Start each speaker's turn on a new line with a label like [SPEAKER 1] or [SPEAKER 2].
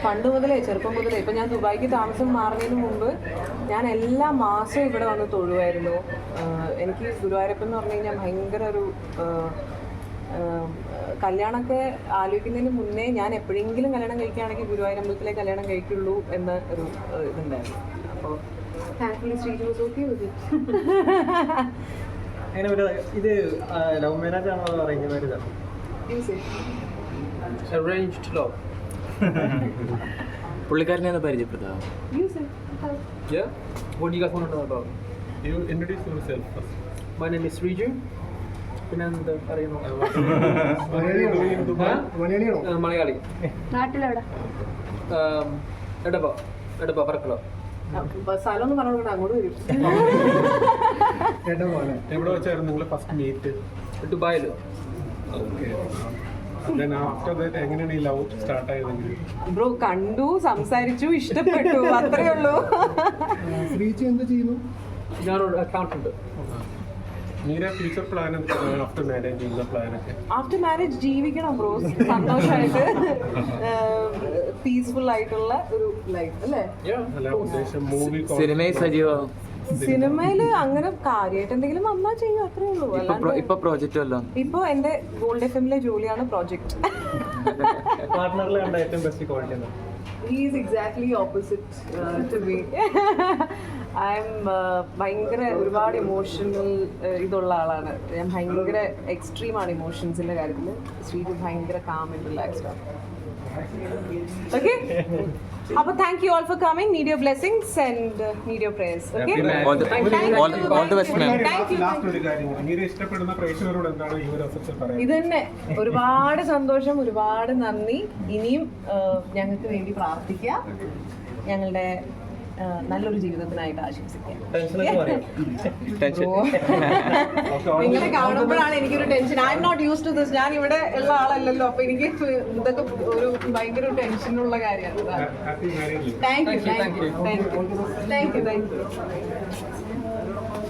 [SPEAKER 1] പണ്ട് മുതലേ ചെറുപ്പം മുതലേ ഇപ്പം ഞാൻ ദുബായിക്ക് താമസം മാറുന്നതിന് മുമ്പ് ഞാൻ എല്ലാ മാസവും ഇവിടെ വന്ന് തൊഴുവായിരുന്നു. എനിക്ക് ഗുരുവായൂരപ്പൻ എന്ന് പറഞ്ഞു കഴിഞ്ഞാൽ ഭയങ്കര ഒരു കല്യാണമൊക്കെ ആലോചിക്കുന്നതിന് മുന്നേ ഞാൻ എപ്പോഴെങ്കിലും കല്യാണം കഴിക്കുകയാണെങ്കിൽ ഗുരുവായൂർ അമ്പലത്തിലെ കല്യാണം കഴിക്കുള്ളൂ എന്ന ഒരു ഇതുണ്ടായിരുന്നു. അപ്പോൾ thankfully Sreeju was okay with it.
[SPEAKER 2] അങ്ങനെ ഒരു ഇത് ലവ് മാരേജ് ആണോ അറേഞ്ച് മാരേജ് ആണോ?
[SPEAKER 3] Arranged love. പുള്ളിക്കാരനെ ഒന്ന് പരിചയപ്പെടുത്താം. Yeah. What do you guys want to know about?
[SPEAKER 4] You introduce yourself first.
[SPEAKER 3] My name is Riju. പിന്നെ എന്താ അറിയുന്നു? മലയാളി.
[SPEAKER 1] നാട്ടിലെവിടെ?
[SPEAKER 3] എടപ്പ പറക്കലോ.
[SPEAKER 1] സ്ഥലം ഒന്ന് പറഞ്ഞു അങ്ങോട്ട് വരും.
[SPEAKER 4] എവിടെ വെച്ചായിരുന്നു നിങ്ങൾ ഫസ്റ്റ് മീറ്റ്?
[SPEAKER 3] ദുബായിൽ.
[SPEAKER 4] ഓക്കെ. Then after that എങ്ങനെയാണ് ഈ ലവ് സ്റ്റാർട്ട് ആയതെങ്കിൽ?
[SPEAKER 1] ബ്രോ കണ്ടു, സംസാരിച്ചു, ഇഷ്ടപ്പെട്ടു, അത്രേ ഉള്ളൂ.
[SPEAKER 2] ശ്രീജു എന്ത് ചെയ്യുന്നു?
[SPEAKER 3] ഞാനൊരു അക്കൗണ്ടന്റ്.
[SPEAKER 4] നിങ്ങളുടെ ഫ്യൂച്ചർ പ്ലാൻ എന്താണ് ആഫ്റ്റർ മാരേജ്? ഉള്ള പ്ലാനൊക്കെ
[SPEAKER 1] ആഫ്റ്റർ മാരേജ് ജീവിക്കണം ബ്രോ, സന്തോഷമായിട്ട് പീസ്ഫുൾ ആയിട്ടുള്ള ഒരു ലൈഫ് അല്ലേ?
[SPEAKER 4] അല്ല ഉദ്ദേശം മൂവി
[SPEAKER 3] സിനിമയിൽ സജീവം.
[SPEAKER 1] സിനിമയില് അങ്ങനെ കാര്യമായിട്ട് എന്തെങ്കിലും വന്നാ ചെയ്യും, അത്രേ ഉള്ളൂ.
[SPEAKER 3] ഇപ്പൊ പ്രോജക്റ്റ് വല്ലോ?
[SPEAKER 1] ഇപ്പൊ എന്റെ ഗോൾഡ് FM-ലെ ജോലിയാണ് പ്രോജക്ട്.
[SPEAKER 2] പാർട്ട്ണറിലെ കണ്ട ഏറ്റവും ബെസ്റ്റ് ക്വാളിറ്റി എന്താ?
[SPEAKER 1] He is exactly opposite to me. I'm ഭയങ്കര ഒരുപാട് ഇമോഷണൽ ഇതുള്ള ആളാണ് ഞാൻ. ഭയങ്കര എക്സ്ട്രീമാണ് ഇമോഷൻസിന്റെ കാര്യത്തിൽ. ശ്രീജു ഭയങ്കര കാം ആൻഡ് റിലാക്സ്ഡ് ആണ്. ഓക്കെ, അപ്പോൾ thank you all for coming. Need your blessings and need your prayers. Okay,
[SPEAKER 3] All the best, ma'am.
[SPEAKER 4] Last ഒരു കാര്യം, ഇങ്ങനെ ഇഷ്ടപ്പെടുന്ന പ്രേക്ഷകരോട് എന്താണ് ഈ ഒരു അവസരത്തിൽ പറയുന്നത്?
[SPEAKER 1] ഇത് തന്നെ ഒരുപാട് സന്തോഷം, ഒരുപാട് നന്ദി. ഇനിയും ഞങ്ങൾക്ക് വേണ്ടി പ്രാർത്ഥിക്കുക, ഞങ്ങളുടെ നല്ലൊരു ജീവിതത്തിനായിട്ട് ആശംസിക്കാം. നിങ്ങളെ കാണുമ്പോഴാണ് എനിക്കൊരു tension. I'm not use to this. ഞാൻ ഇവിടെ ഉള്ള ആളല്ലല്ലോ, അപ്പൊ എനിക്ക് ഇതൊക്കെ ഒരു ഭയങ്കര ടെൻഷനുള്ള കാര്യമാണ്.
[SPEAKER 4] Happy marriage.
[SPEAKER 1] Thank U.